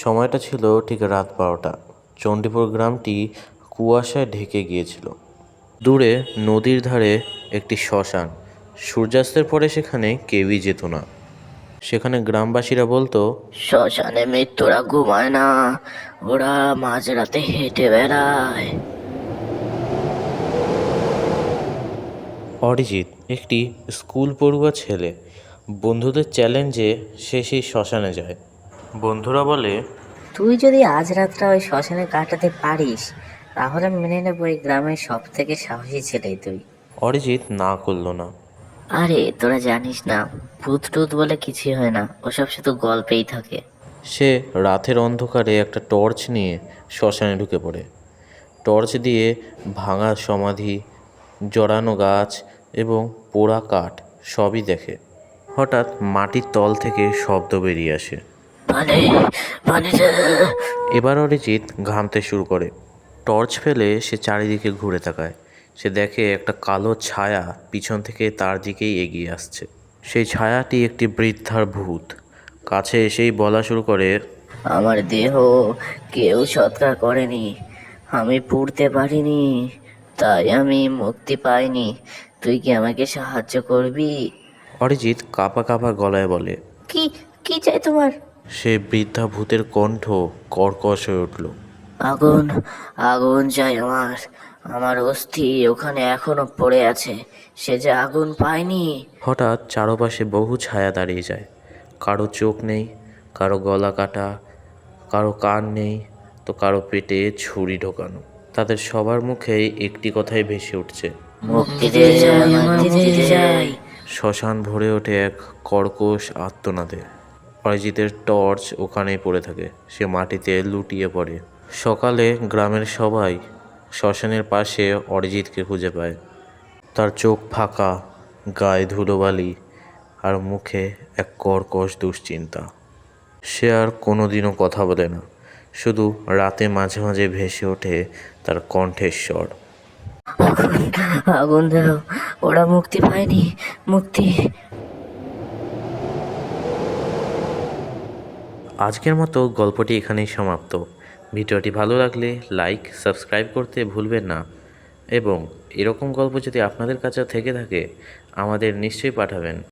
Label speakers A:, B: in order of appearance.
A: সময়টা ছিল ঠিক রাত 12টা। চণ্ডীপুর গ্রামটি কুয়াশায় ঢেকে গিয়েছিল। দূরে নদীর ধারে একটি শ্মশান। সূর্যাস্তের পরে সেখানে কেউই যেত না। সেখানে গ্রামবাসীরা বলতো,
B: শ্মশানে মৃত্যুরা ঘুমায় না, ওরা মাঝরাতে হেঁটে বেড়ায়।
A: অরিজিৎ একটি স্কুল পড়ুয়া ছেলে। বন্ধুদের চ্যালেঞ্জে সে সেই শ্মশানে যায়। বন্ধুরা বলে,
B: তুই যদি আজ রাতটা ওই শ্মশানে কাটাতে পারিস, তাহলে মেনে নেবো এই গ্রামের সব থেকে সাহসী ছেলে তুই।
A: অরিজিৎ না করল না।
B: আরে তোরা জানিস না, ভূত টুত বলে কিছুই হয় না, ওসব শুধু গল্পেই থাকে।
A: সে রাতের অন্ধকারে একটা টর্চ নিয়ে শ্মশানে ঢুকে পড়ে। টর্চ দিয়ে ভাঙা সমাধি, জড়ানো গাছ এবং পোড়া কাঠ সবই দেখে। হঠাৎ মাটির তল থেকে শব্দ বেরিয়ে আসে।
B: মানে মানে
A: এবার অরিজিৎ ঘামতে শুরু করে। টর্চ ফেলে সে চারিদিকে ঘুরে তাকায়। সে দেখে একটা কালো ছায়া পিছন থেকে তার দিকেই এগিয়ে আসছে। সেই ছায়াটি একটি বৃদ্ধার ভূত। কাছে এসেই বলা শুরু করে,
B: আমার দেহ কেউ সৎকার করেনি, আমি পুড়তে পারিনি, তাই আমি মুক্তি পাইনি। তুই কি আমাকে সাহায্য করবি?
A: অরিজিৎ কাঁপা কাঁপা গলায় বলে।
B: কি কি চাই তোমার?
A: সে বৃদ্ধা ভূতের কণ্ঠ কর্কশ হয়ে উঠল।
B: আগুন, আগুন চাই আমার। আমার অস্থি ওখানে এখনো পড়ে আছে, সে যে আগুন পায়নি।
A: হঠাৎ চারপাশে বহু ছায়া দাঁড়িয়ে যায়। কারো চোখ নেই, কারো গলা কাটা, কারো কান নেই, তো কারো পেটে ছুরি ঢোকানো। তাদের সবার মুখেই একটি কথাই ভেসে উঠছে,
B: মুক্তি দিয়ে যাই, মুক্তি দিয়ে যাই।
A: শ্মশান ভরে ওঠে এক কর্কশ আর্তনাদে। অরিজিতের টর্চ ওখানেই পড়ে থাকে। সে মাটিতে লুটিয়ে পড়ে। সকালে গ্রামের সবাই শ্মশানের পাশে অরিজিৎকে খুঁজে পায়। তার চোখ ফাঁকা, গায়ে ধুলোবালি, আর মুখে এক কর্কশ দুশ্চিন্তা। সে আর কোনোদিনও কথা বলে না, শুধু রাতে মাঝে মাঝে ভেসে ওঠে তার কণ্ঠের স্বর।
B: আগুন দাও, ওরা মুক্তি পায়নি, মুক্তি।
A: আজকের মতো গল্পটি এখানেই সমাপ্ত। ভিডিওটি ভালো লাগলে লাইক, সাবস্ক্রাইব করতে ভুলবেন না। এবং এরকম গল্প যদি আপনাদের কাছে থেকে থাকে, আমাদের নিশ্চয়ই পাঠাবেন।